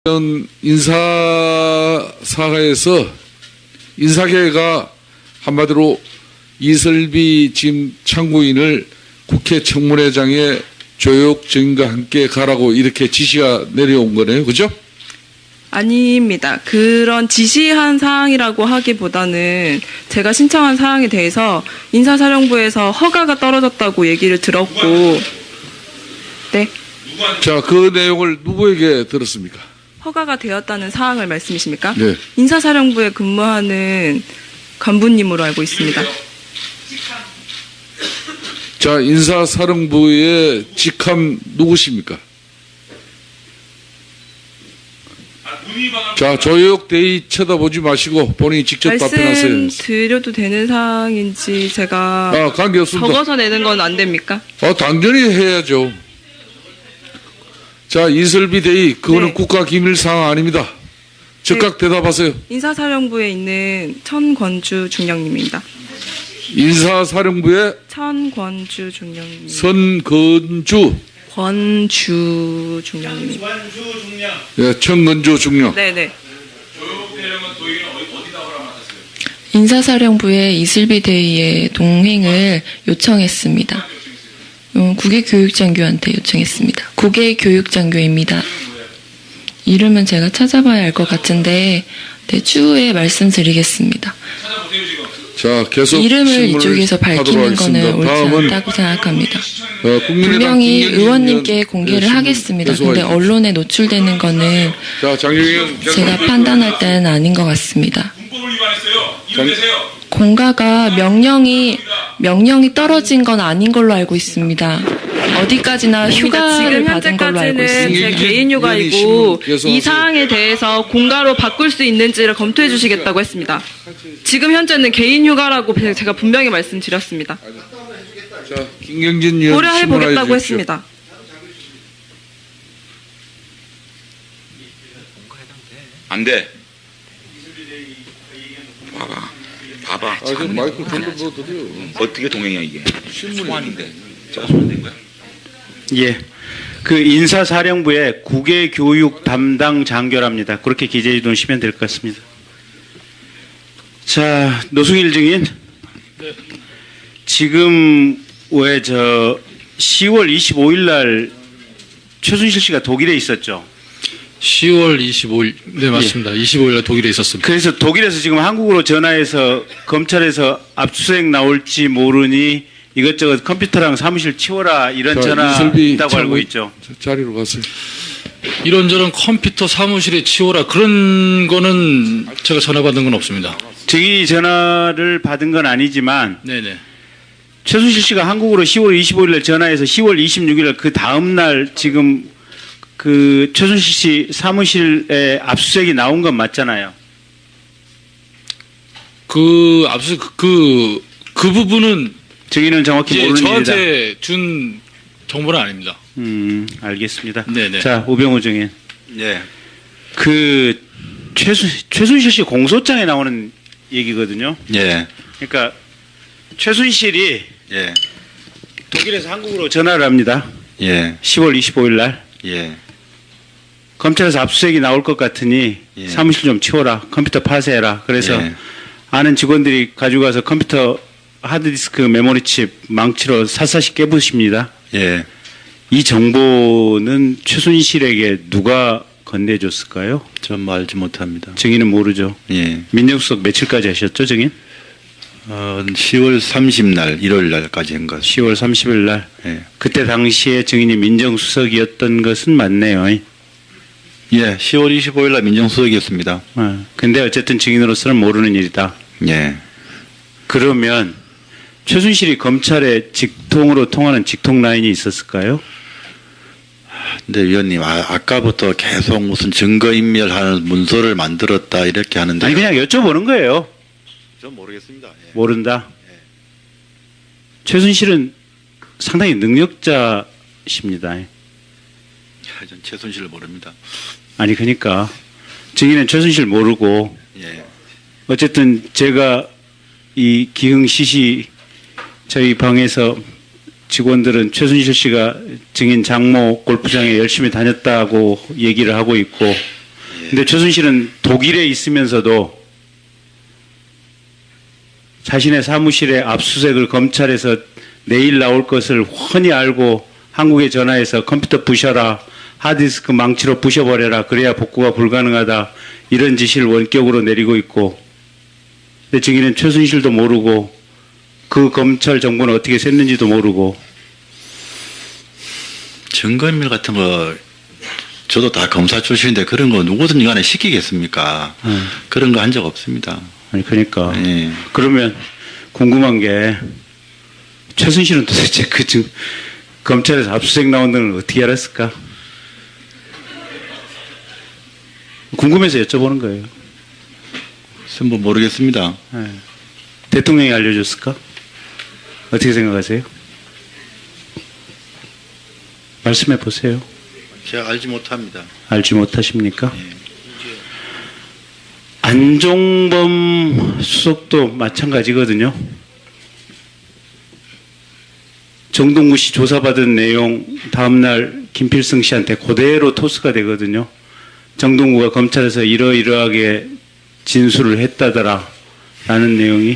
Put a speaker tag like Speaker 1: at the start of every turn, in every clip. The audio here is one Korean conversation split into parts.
Speaker 1: 이런 인사사에서 인사계가 한마디로 이슬비 지금 참고인을 국회 청문회장에 조혁 증인과 함께 가라고 이렇게 지시가 내려온 거네요. 그죠?
Speaker 2: 아닙니다. 그런 지시한 사항이라고 하기보다는 제가 신청한 사항에 대해서 인사사령부에서 허가가 떨어졌다고 얘기를 들었고, 네,
Speaker 1: 자, 그 내용을 누구에게 들었습니까?
Speaker 2: 허가가 되었다는 사항을 말씀이십니까?
Speaker 1: 네.
Speaker 2: 인사사령부에 근무하는 간부님으로 알고 있습니다.
Speaker 1: 자, 인사사령부의 직함 누구십니까? 자, 조혁 대의 쳐다보지 마시고 본인이 직접 답변하세요.
Speaker 2: 말씀드려도 되는 사항인지 제가
Speaker 1: 관계없습니다.
Speaker 2: 적어서 내는 건 안 됩니까?
Speaker 1: 당연히 해야죠. 자, 이슬비 대의, 그거는
Speaker 2: 네.
Speaker 1: 국가기밀사항 아닙니다. 즉각 대답하세요.
Speaker 2: 인사사령부에 있는 천권주 중령님입니다.
Speaker 1: 인사사령부의
Speaker 2: 천권주 중령님.
Speaker 1: 선건주,
Speaker 2: 권주 중령님.
Speaker 1: 예, 천건주 중령.
Speaker 2: 네네.
Speaker 3: 인사사령부에 이슬비 대의의 동행을 요청했습니다. 국외교육장교한테 요청했습니다. 국외교육장교입니다. 이름은 제가 찾아봐야 알 것 같은데 추후에 말씀드리겠습니다.
Speaker 1: 자, 계속
Speaker 3: 이름을 이쪽에서 밝히는 것은 옳지 않다고 생각합니다. 분명히 의원님께 공개를 하겠습니다. 근데 언론에 노출되는 거는 제가 판단할 때는 아닌 것 같습니다. 공가가 명령이 떨어진 건 아닌 걸로 알고 있습니다. 어디까지나 휴가를 받은 걸로 알고 있습니다.
Speaker 2: 제 개인 휴가이고 이 사항에 대해서 공가로 바꿀 수 있는지를 검토해 주시겠다고 했습니다. 지금 현재는 개인 휴가라고 제가 분명히 말씀드렸습니다.
Speaker 1: 자, 김경진 의원
Speaker 2: 고려해 보겠다고 했습니다.
Speaker 4: 안 돼. 봐봐.
Speaker 1: 마이크 돌려드려요.
Speaker 4: 어떻게 동행이야 이게? 소환인데. 제가 소환된 거야?
Speaker 5: 예. 그 인사사령부의 국외교육 담당 장교랍니다. 그렇게 기재해 두시면 될 것 같습니다. 자, 노승일 증인. 네. 지금 왜 10월 25일 날 최순실 씨가 독일에 있었죠?
Speaker 6: 10월 25일, 네, 맞습니다. 예. 25일날 독일에 있었습니다.
Speaker 5: 그래서 독일에서 지금 한국으로 전화해서 검찰에서 압수수색 나올지 모르니 이것저것 컴퓨터랑 사무실 치워라 이런 전화 있다고 알고 있죠.
Speaker 1: 자리로 가세요.
Speaker 6: 이런저런 컴퓨터 사무실에 치워라 그런 거는 제가 전화 받은 건 없습니다.
Speaker 5: 증인이 전화를 받은 건 아니지만
Speaker 6: 네네.
Speaker 5: 최순실 씨가 한국으로 10월 25일 날 전화해서 10월 26일 날 그 다음 날 지금 그 최순실 씨 사무실에 압수수색이 나온 건 맞잖아요.
Speaker 6: 그 부분은
Speaker 5: 증인은 정확히 모르는 일이다.
Speaker 6: 저한테 준 정보는 아닙니다.
Speaker 5: 알겠습니다.
Speaker 6: 네네.
Speaker 5: 자, 우병우 증인.
Speaker 4: 예.
Speaker 5: 그 최순실 씨 공소장에 나오는 얘기거든요.
Speaker 4: 예.
Speaker 5: 그러니까 최순실이
Speaker 4: 예.
Speaker 5: 독일에서 한국으로 전화를 합니다.
Speaker 4: 예.
Speaker 5: 10월 25일 날.
Speaker 4: 예.
Speaker 5: 검찰에서 압수수색이 나올 것 같으니
Speaker 4: 예.
Speaker 5: 사무실 좀 치워라. 컴퓨터 파쇄해라. 그래서
Speaker 4: 예.
Speaker 5: 아는 직원들이 가지고 가서 컴퓨터 하드디스크 메모리칩 망치로 샅샅이 깨부십니다.
Speaker 4: 예.
Speaker 5: 이 정보는 최순실에게 누가 건네줬을까요?
Speaker 4: 전 알지 못합니다.
Speaker 5: 증인은 모르죠.
Speaker 4: 예.
Speaker 5: 민정수석 며칠까지 하셨죠, 증인?
Speaker 4: 10월 30날, 1월 날까지 한 것.
Speaker 5: 10월 30일 날.
Speaker 4: 예.
Speaker 5: 그때 당시에 증인이 민정수석이었던 것은 맞네요.
Speaker 4: 예. 10월 25일 날 민정수석이었습니다.
Speaker 5: 근데 어쨌든 증인으로서는 모르는 일이다.
Speaker 4: 예.
Speaker 5: 그러면 최순실이 검찰에 직통으로 통하는 직통 라인이 있었을까요?
Speaker 4: 근데 위원님, 아까부터 계속 무슨 증거인멸하는 문서를 만들었다 이렇게 하는데.
Speaker 5: 아니 그냥 여쭤보는 거예요.
Speaker 4: 전 모르겠습니다. 예.
Speaker 5: 모른다. 최순실은 상당히 능력자십니다.
Speaker 4: 전 최순실을 모릅니다.
Speaker 5: 아니 그러니까 증인은 최순실 모르고
Speaker 4: 예.
Speaker 5: 어쨌든 제가 이 기흥 시시 저희 방에서 직원들은 최순실 씨가 증인 장모 골프장에 열심히 다녔다고 얘기를 하고 있고 근데 최순실은 독일에 있으면서도 자신의 사무실에 압수수색을 검찰에서 내일 나올 것을 훤히 알고 한국에 전화해서 컴퓨터 부셔라, 하드디스크 망치로 부셔버려라, 그래야 복구가 불가능하다, 이런 지시를 원격으로 내리고 있고, 근데 증인은 최순실도 모르고 그 검찰 정보는 어떻게 샜는지도 모르고.
Speaker 4: 증거인멸 같은 거 저도 다 검사 출신인데 그런 거 누구든지 간에 시키겠습니까? 그런 거 한 적 없습니다.
Speaker 5: 아니 그러니까
Speaker 4: 예.
Speaker 5: 그러면 궁금한 게 최순실은 도대체 검찰에서 압수수색 나온다는 걸 어떻게 알았을까? 궁금해서 여쭤보는 거예요.
Speaker 4: 뭐 모르겠습니다.
Speaker 5: 예. 대통령이 알려줬을까? 어떻게 생각하세요? 말씀해 보세요.
Speaker 4: 제가 알지 못합니다.
Speaker 5: 알지 못하십니까? 안종범 수석도 마찬가지거든요. 정동구 씨 조사받은 내용 다음날 김필승 씨한테 그대로 토스가 되거든요. 정동구가 검찰에서 이러이러하게 진술을 했다더라 라는 내용이.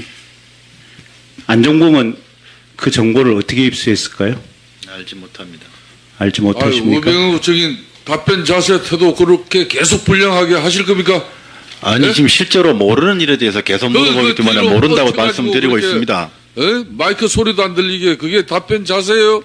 Speaker 5: 안종범은 그 정보를 어떻게 입수했을까요?
Speaker 4: 알지 못합니다.
Speaker 5: 알지 못하십니까?
Speaker 1: 우병우 적인 답변 자세 태도 그렇게 계속 불량하게 하실 겁니까?
Speaker 4: 아니
Speaker 1: 네?
Speaker 4: 지금 실제로 모르는 일에 대해서 계속 물어보기 때문에
Speaker 1: 뒤로
Speaker 4: 모른다고
Speaker 1: 뻗쳐가지고
Speaker 4: 말씀드리고
Speaker 1: 그렇게,
Speaker 4: 있습니다.
Speaker 1: 마이크 소리도 안 들리게 그게 답변 자세예요?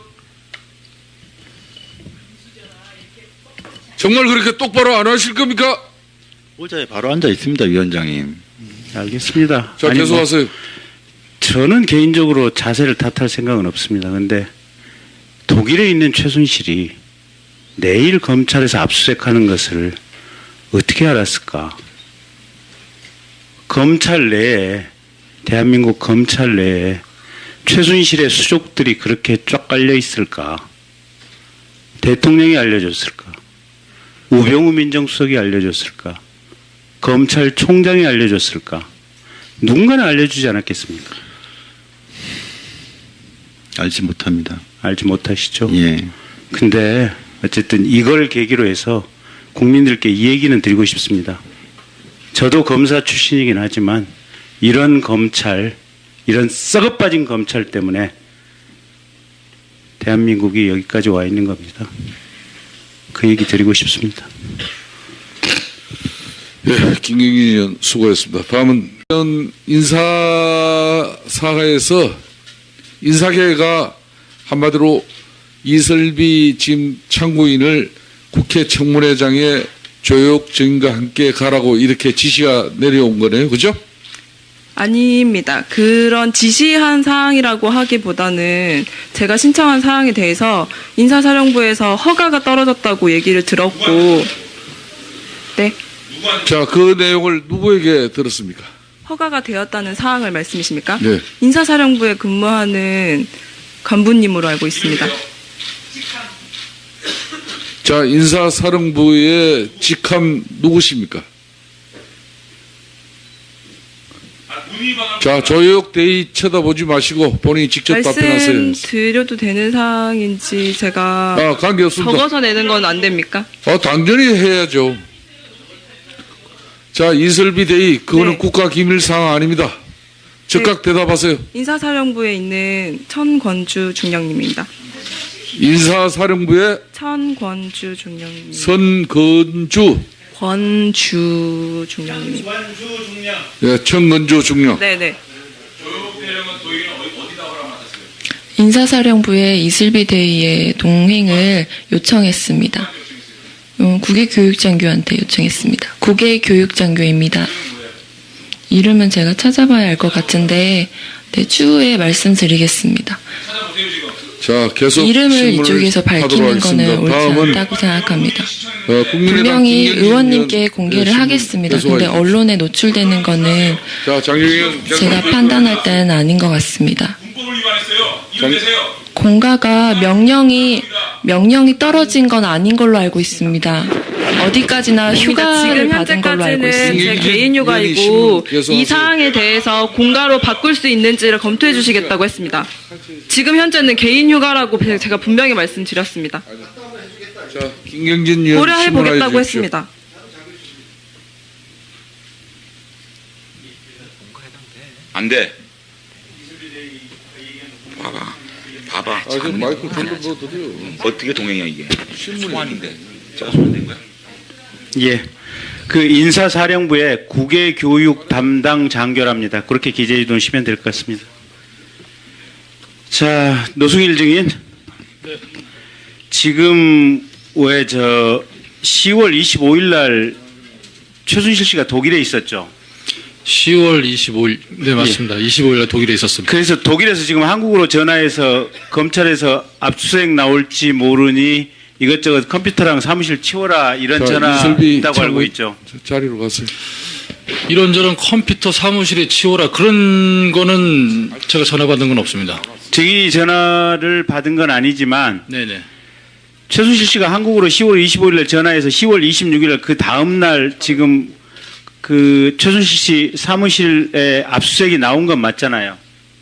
Speaker 1: 정말 그렇게 똑바로 안 하실 겁니까?
Speaker 4: 의자에 바로 앉아 있습니다, 위원장님.
Speaker 5: 알겠습니다.
Speaker 1: 자,
Speaker 5: 아니,
Speaker 1: 계속하세요.
Speaker 5: 저는 개인적으로 자세를 탓할 생각은 없습니다. 그런데 독일에 있는 최순실이 내일 검찰에서 압수수색하는 것을 어떻게 알았을까? 검찰 내에, 대한민국 검찰 내에 최순실의 수족들이 그렇게 쫙 깔려 있을까? 대통령이 알려줬을까? 우병우 민정수석이 알려줬을까? 검찰총장이 알려줬을까? 누군가는 알려주지 않았겠습니까?
Speaker 4: 알지 못합니다.
Speaker 5: 알지 못하시죠?
Speaker 4: 예.
Speaker 5: 근데 어쨌든 이걸 계기로 해서 국민들께 이 얘기는 드리고 싶습니다. 저도 검사 출신이긴 하지만 이런 검찰, 이런 썩어빠진 검찰 때문에 대한민국이 여기까지 와 있는 겁니다. 그 얘기 드리고 싶습니다.
Speaker 1: 예, 김경진 의원 수고했습니다. 다음은 인사사에서 인사계가 한마디로 이설비 지금 참고인을 국회 청문회장에 조혁 증인과 함께 가라고 이렇게 지시가 내려온 거네요. 그죠?
Speaker 2: 아닙니다. 그런 지시한 사항이라고 하기보다는 제가 신청한 사항에 대해서 인사사령부에서 허가가 떨어졌다고 얘기를 들었고, 네.
Speaker 1: 자, 그 내용을 누구에게 들었습니까?
Speaker 2: 허가가 되었다는 사항을 말씀이십니까?
Speaker 1: 네.
Speaker 2: 인사사령부에 근무하는 간부님으로 알고 있습니다.
Speaker 1: 자, 인사사령부의 직함 누구십니까? 자, 조혁 대의 쳐다보지 마시고 본인이 직접 답변하세요.
Speaker 2: 말씀 드려도 되는 사항인지 제가
Speaker 1: 관계없습니다.
Speaker 2: 적어서 내는 건 안 됩니까?
Speaker 1: 당연히 해야죠. 자, 이설비 대의 그거는
Speaker 2: 네.
Speaker 1: 국가기밀사항 아닙니다. 즉각 대답하세요.
Speaker 2: 인사사령부에 있는 천권주 중령님입니다.
Speaker 1: 인사사령부의
Speaker 2: 천권주 중령님. 권주 중령님.
Speaker 1: 예, 천건주 중령.
Speaker 2: 네네.
Speaker 3: 인사사령부에 이슬비 대의의 동행을 요청했습니다. 국외교육장교한테 요청했습니다. 국외교육장교입니다. 이름은 제가 찾아봐야 알 것 같은데 추후에 말씀드리겠습니다.
Speaker 1: 자, 계속
Speaker 3: 이름을 이쪽에서 밝히는 것은 옳지 않다고 생각합니다. 분명히 의원님께 공개를 하겠습니다. 근데 언론에 노출되는 것은 제가 판단할 때는 아닌 것 같습니다. 공가가 명령이 떨어진 건 아닌 걸로 알고 있습니다. 어디까지나 휴가를 받은 걸로 알고 있습니다.
Speaker 2: 제 개인 휴가이고 이 사항에 대해서 공가로 바꿀 수 있는지를 검토해 주시겠다고 했습니다. 지금 현재는 개인 휴가라고 제가 분명히 말씀드렸습니다.
Speaker 1: 자, 김경진 의원
Speaker 2: 고려해 보겠다고
Speaker 1: 주십시오.
Speaker 2: 했습니다.
Speaker 7: 안 돼. 봐봐.
Speaker 1: 지금 마이크 돌려 드려.
Speaker 7: 어떻게 동행이야 이게?
Speaker 1: 신문이
Speaker 7: 소환인데. 제가 소환된 거야.
Speaker 5: 예. 그 인사사령부의 국외교육 담당 장교랍니다. 그렇게 기재해 두시면 될 것 같습니다. 자, 노승일 증인. 지금 왜 10월 25일 날 최순실 씨가 독일에 있었죠?
Speaker 6: 10월 25일, 네, 맞습니다. 25일날 독일에 있었습니다.
Speaker 5: 그래서 독일에서 지금 한국으로 전화해서 검찰에서 압수수색 나올지 모르니 이것저것 컴퓨터랑 사무실 치워라 이런 전화
Speaker 1: 이슬비
Speaker 5: 있다고 알고 있죠.
Speaker 1: 자리로 가세요.
Speaker 6: 이런저런 컴퓨터 사무실에 치워라 그런 거는 제가 전화 받은 건 없습니다.
Speaker 5: 증인이 전화를 받은 건 아니지만
Speaker 6: 네네.
Speaker 5: 최순실 씨가 한국으로 10월 25일 날 전화해서 10월 26일 날 그 다음 날 지금 그 최순실 씨 사무실에 압수수색이 나온 건 맞잖아요.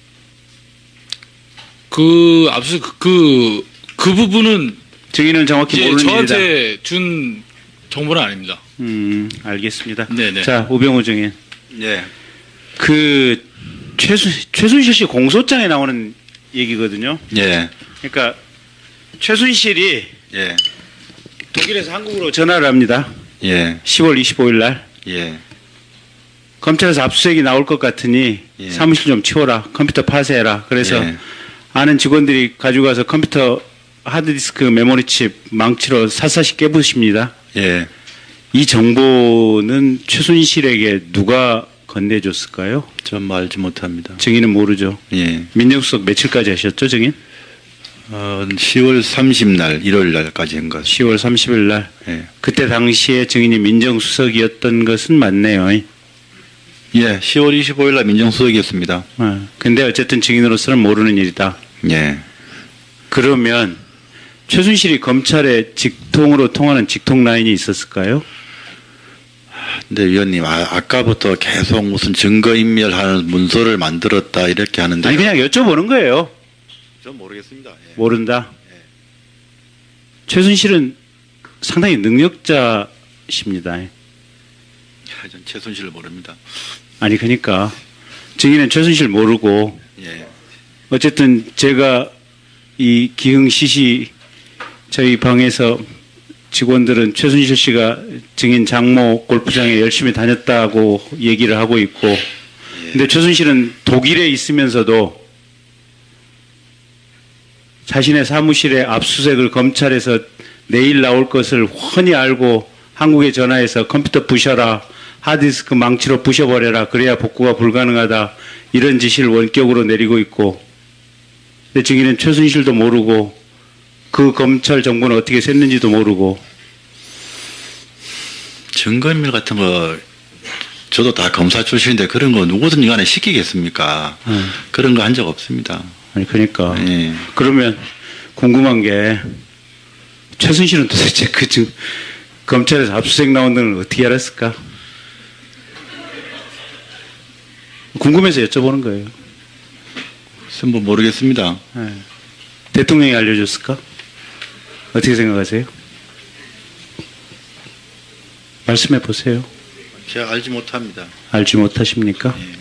Speaker 6: 그 압수수색 그 부분은
Speaker 5: 증인은 정확히
Speaker 6: 이제
Speaker 5: 모르는 일이다.
Speaker 6: 저한테 준 정보는 아닙니다.
Speaker 5: 알겠습니다.
Speaker 6: 네네.
Speaker 5: 자, 우병우 증인.
Speaker 4: 예.
Speaker 5: 그 최순실 씨 공소장에 나오는 얘기거든요.
Speaker 4: 예.
Speaker 5: 그러니까 최순실이
Speaker 4: 예.
Speaker 5: 독일에서 한국으로 전화를 합니다.
Speaker 4: 예.
Speaker 5: 10월 25일 날.
Speaker 4: 예.
Speaker 5: 검찰에서 압수수색이 나올 것 같으니
Speaker 4: 예.
Speaker 5: 사무실 좀 치워라. 컴퓨터 파쇄해라. 그래서
Speaker 4: 예.
Speaker 5: 아는 직원들이 가지고 가서 컴퓨터 하드디스크 메모리칩 망치로 샅샅이 깨부십니다.
Speaker 4: 예.
Speaker 5: 이 정보는 최순실에게 누가 건네줬을까요?
Speaker 4: 전 알지 못합니다.
Speaker 5: 증인은 모르죠.
Speaker 4: 예.
Speaker 5: 민정수석 며칠까지 하셨죠, 증인?
Speaker 4: 10월 30날, 1월 날까지 한 것.
Speaker 5: 10월 30일 날.
Speaker 4: 예.
Speaker 5: 그때 당시에 증인이 민정수석이었던 것은 맞네요.
Speaker 4: 예. 10월 25일 날 민정수석이었습니다.
Speaker 5: 근데 어쨌든 증인으로서는 모르는 일이다.
Speaker 4: 예.
Speaker 5: 그러면 최순실이 검찰에 직통으로 통하는 직통 라인이 있었을까요?
Speaker 4: 근데 위원님, 아까부터 계속 무슨 증거인멸하는 문서를 만들었다 이렇게 하는데.
Speaker 5: 아니 그냥 여쭤보는 거예요.
Speaker 4: 전 모르겠습니다. 예.
Speaker 5: 모른다. 최순실은 상당히 능력자십니다.
Speaker 4: 전 최순실을 모릅니다.
Speaker 5: 아니 그러니까 증인은 최순실 모르고
Speaker 4: 예.
Speaker 5: 어쨌든 제가 이 기흥 시시 저희 방에서 직원들은 최순실 씨가 증인 장모 골프장에 열심히 다녔다고 얘기를 하고 있고 근데 최순실은 독일에 있으면서도 자신의 사무실에 압수수색을 검찰에서 내일 나올 것을 훤히 알고 한국에 전화해서 컴퓨터 부셔라, 하드디스크 망치로 부셔버려라, 그래야 복구가 불가능하다, 이런 지시를 원격으로 내리고 있고, 근데 증인은 최순실도 모르고 그 검찰 정보는 어떻게 샜는지도 모르고.
Speaker 4: 증거인멸 같은 거 저도 다 검사 출신인데 그런 거 누구든 간에 시키겠습니까? 그런 거 한 적 없습니다.
Speaker 5: 아니 그러니까
Speaker 4: 예.
Speaker 5: 그러면 궁금한 게 최순실은 도대체 검찰에서 압수수색 나온다는 걸 어떻게 알았을까? 궁금해서 여쭤보는 거예요.
Speaker 4: 뭐 모르겠습니다.
Speaker 5: 네. 대통령이 알려줬을까? 어떻게 생각하세요? 말씀해 보세요.
Speaker 4: 제가 알지 못합니다.
Speaker 5: 알지 못하십니까?
Speaker 4: 예.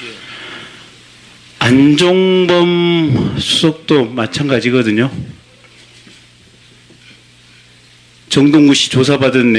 Speaker 5: 안종범 수석도 마찬가지거든요. 정동구 씨 조사받은